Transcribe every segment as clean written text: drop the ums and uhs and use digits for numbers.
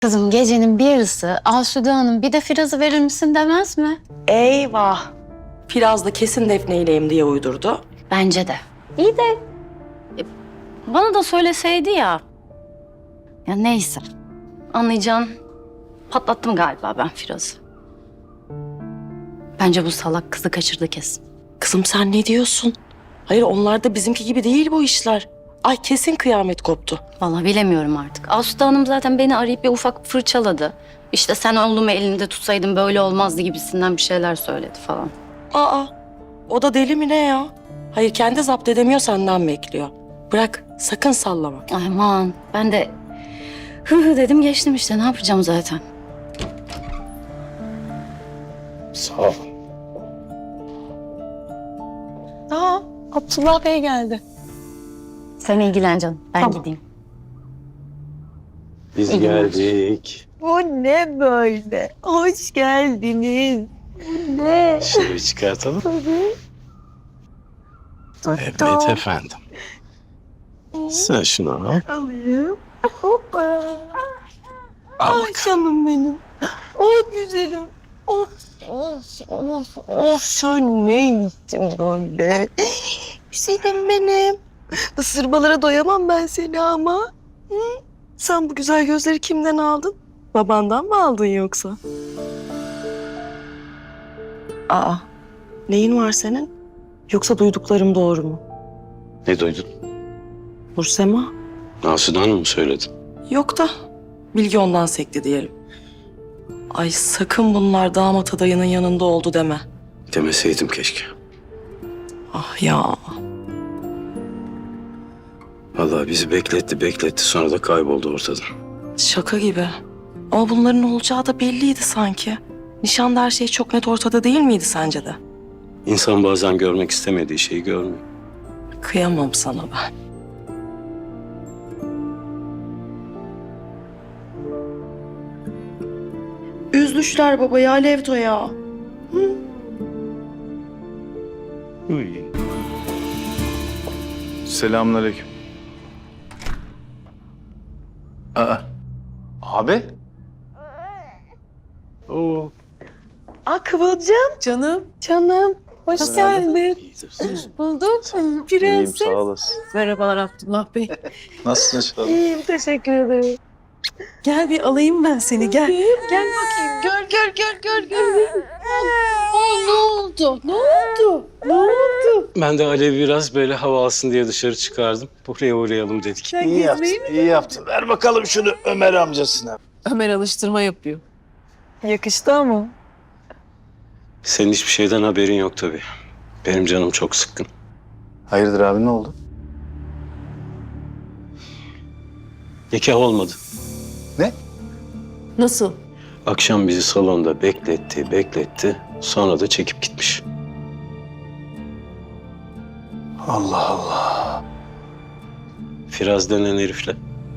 Kızım gecenin bir yarısı Asude Hanım bir de Firaz'ı verir misin demez mi? Eyvah. Firaz da kesin Defne'yleyim diye uydurdu. Bence de. İyi de bana da söyleseydi ya. Ya neyse. Anlayacağın patlattım galiba ben Firaz'ı. Bence bu salak kızı kaçırdı kesin. Kızım sen ne diyorsun? Hayır onlar da bizimki gibi değil bu işler. Ay kesin kıyamet koptu. Vallahi bilemiyorum artık. Asude Hanım zaten beni arayıp bir ufak fırçaladı. İşte sen oğlumu elinde tutsaydın böyle olmazdı gibisinden bir şeyler söyledi falan. Aa, o da deli mi ne ya? Hayır kendi zapt edemiyor senden bekliyor. Bırak sakın sallama. Aman ben de hı dedim geçtim işte ne yapacağım zaten. Sağ ol. Aa, Abdullah Bey geldi. Sen ilgilen canım ben gideyim. Biz geldik. Bu ne böyle? Hoş geldiniz. Bu ne? Şunu bir çıkartalım. Evet efendim. Sen şunu al. Alayım. Hoppa. Ay canım benim. Oh güzelim. Of, of, sen neymişsin böyle? Güzelim benim. Isırmalara doyamam ben seni ama. Hı? Sen bu güzel gözleri kimden aldın? Babandan mı aldın yoksa? Aa, neyin var senin? Yoksa duyduklarım doğru mu? Ne duydun? Nursema? Asude Hanım mı söyledi? Yok da bilgi ondan sekti diyelim. Ay sakın bunlar damat adayının yanında oldu deme. Demeseydim keşke. Ah ya. Vallahi bizi bekletti sonra da kayboldu ortadan. Şaka gibi. Ama bunların olacağı da belliydi sanki. Nişanda her şey çok net ortada değil miydi sence de? İnsan bazen görmek istemediği şeyi görmüyor. Kıyamam sana ben. Üzdüşler babayı Alevto ya. Selamünaleyküm. Abi? Oo. Aa Kıvılcım. Canım. Canım. Hoş geldin. İyidir. Bulduk. İyiyim Prenses. sağ olasın. Merhabalar Abdullah Bey. Nasılsın inşallah? İyiyim teşekkür ederim. Gel bir alayım ben seni gel. Gel bakayım. Gör. Ne oldu? Ne oldu? Ne oldu? Ben de Alev biraz böyle hava alsın diye dışarı çıkardım. Buraya uğrayalım dedik. Sen İyi yaptın, gezmeyi mi? iyi yaptın. Ver bakalım şunu Ömer amcasına. Ömer alıştırma yapıyor. Yakıştı ama. Senin hiçbir şeyden haberin yok tabii. Benim canım çok sıkkın. Hayırdır abi ne oldu? Nikah olmadı. Ne? Nasıl? Akşam bizi salonda bekletti. Sonra da çekip gitmiş. Allah Allah. Firaz denen herifle.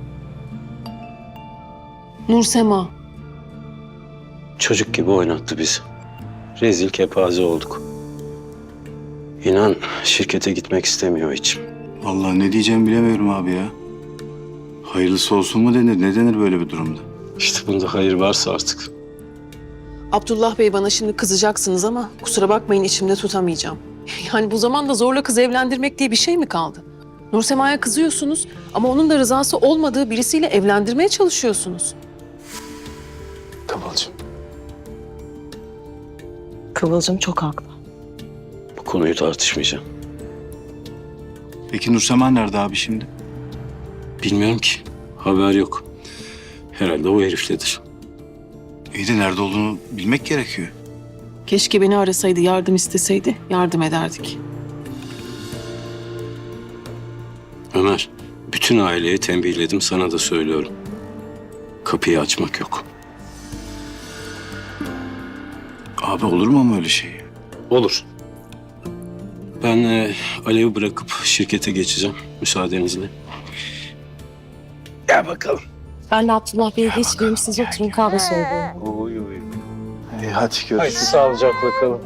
Nursema. Çocuk gibi oynattı bizi. Rezil kepaze olduk. İnan şirkete gitmek istemiyor hiç. Vallahi ne diyeceğimi bilemiyorum abi ya. Hayırlısı olsun mu denir, ne denir böyle bir durumda? İşte bunda hayır varsa artık. Abdullah Bey bana şimdi kızacaksınız ama kusura bakmayın içimde tutamayacağım. Yani bu zamanda zorla kız evlendirmek diye bir şey mi kaldı? Nursema'ya kızıyorsunuz ama onun da rızası olmadığı birisiyle evlendirmeye çalışıyorsunuz. Kıvılcım. Kıvılcım çok haklı. Bu konuyu tartışmayacağım. Peki Nursema nerede abi şimdi? Bilmiyorum ki. Haber yok. Herhalde o herifledir. İyi de nerede olduğunu bilmek gerekiyor. Keşke beni arasaydı, yardım isteseydi, yardım ederdik. Ömer, bütün aileye tembihledim, sana da söylüyorum. Kapıyı açmak yok. Abi olur mu ama öyle şey? Olur. Ben Alev'i bırakıp şirkete geçeceğim müsaadenizle. Gel bakalım. Ben de Abdullah Bey'e geçireyim siz oturun kahve söyleyeyim. Oy. İyi hadi görüşürüz. Haydi sağlıcakla kalın.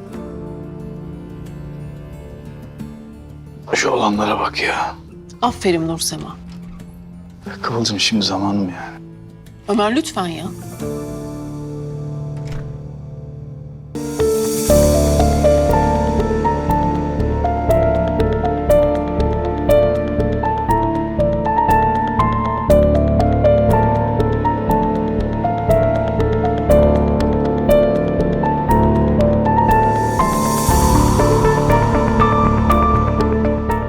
Şu olanlara bak ya. Aferin Nursema. Kıvılcım şimdi zamanı mı yani? Ömer lütfen ya.